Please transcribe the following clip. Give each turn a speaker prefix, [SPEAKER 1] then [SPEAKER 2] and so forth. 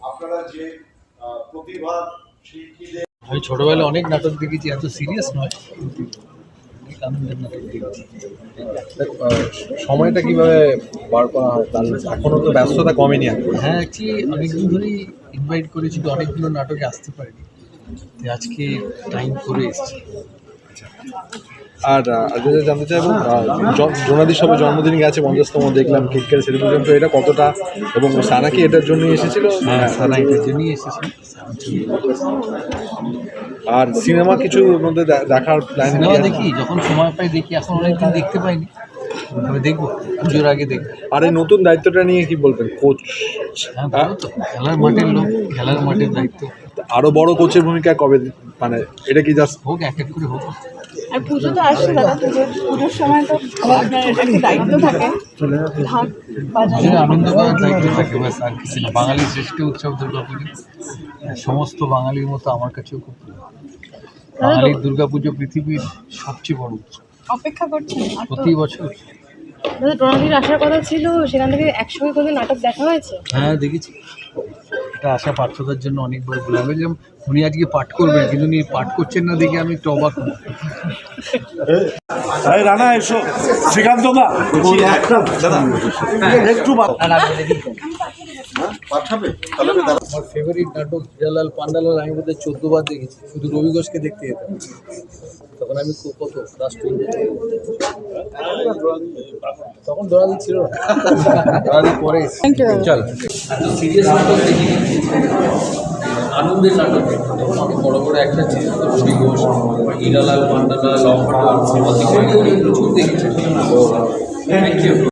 [SPEAKER 1] আপনারা যে প্রতিভা শিল্পীদের
[SPEAKER 2] আমি ছোটবেলায় অনেক নাটক দেখেছি, এত সিরিয়াস নয়, অনেক আনন্দের নাটক দেখেছি।
[SPEAKER 3] সময়টা কিভাবে বার করা হয় তার এখনো তো ব্যস্ততা কমেনি এখন।
[SPEAKER 2] হ্যাঁ, অ্যাকচুয়ালি অনেকদিন ধরেই ইনভাইট করেছিল, অনেকগুলো নাটকে আসতে পারিনি, তো আজকে টাইম করে এসেছি।
[SPEAKER 3] আর যেটা জানতে চাইবো, জোনাদি সবে জন্মদিন গেছে, 50তম দেখলাম কেক কেটে সেলিব্রেশন, তো এটা কতটা, এবং সানা কি এটার জন্যই এসেছিল?
[SPEAKER 2] হ্যাঁ, সারা এটার জন্যই এসেছি।
[SPEAKER 3] আর সিনেমা কিছুর মধ্যে দেখার প্ল্যান?
[SPEAKER 2] সিনেমা দেখি, যখন সময় পাই দেখি, এখন অনেকদিন দেখতে পাইনি, তবে দেখবো, পুজোর আগে দেখবো।
[SPEAKER 3] আর এই নতুন দায়িত্বটা নিয়ে কি বলবেন, কোচ?
[SPEAKER 2] হ্যাঁ, ভালো তো, খেলার মাঠের লোক, খেলার মাঠের দায়িত্ব।
[SPEAKER 3] আরো বড় কোচের ভূমিকা কবে, মানে এটা কি জাস্ট
[SPEAKER 2] হোক, এক এক করে হোক।
[SPEAKER 4] আর পুজো তো আসছে দাদা, পুজোর সময় তো আপনার একটা দায়িত্ব থাকে, ঢাক বাজানো,
[SPEAKER 2] আনন্দ করার দায়িত্ব থাকে, ব্যাস আর কিছু না। বাঙালির শ্রেষ্ঠ উৎসব দুর্গাপুজো, সমস্ত বাঙালির মতো আমার কাছেও খুব প্রিয়। বাঙালির দুর্গাপুজো পৃথিবীর সবচেয়ে বড় উৎসব,
[SPEAKER 4] অপেক্ষা করছেন
[SPEAKER 2] প্রতি বছর।
[SPEAKER 4] দাদা টোনাদির আসার কথা ছিল, সেখান থেকে একসঙ্গে কোনো নাটক দেখা হয়েছে?
[SPEAKER 2] হ্যাঁ, দেখেছি। এটা আশা পার্থতার জন্য অনেকবার বললাম, বলছিলাম উনি আজকে পাঠ করবেন, কিন্তু উনি পাঠ করছেন না দেখে আমি একটু অবাক হই।
[SPEAKER 1] রানা এসো, শ্রীকান্ত দা একটু পাঠাবে।
[SPEAKER 2] আমার ফেভারিট নাটক হিরালাল পান্ডালাল আমি বোধহয় 14 বার দেখেছি, শুধু রবি ঘোষকে দেখতে যেতাম, তখন আমি কত ক্লাস 2 তখন দৌড়াদি ছিল না, দৌড়াদি পরে। চল, সিরিয়াস নাটক দেখি, আনন্দের নাটক দেখি, তখন অনেক বড় বড় একটা ছিল, রবি ঘোষ, হিরালাল পান্ডালাল, প্রচুর দেখেছি। Thank you.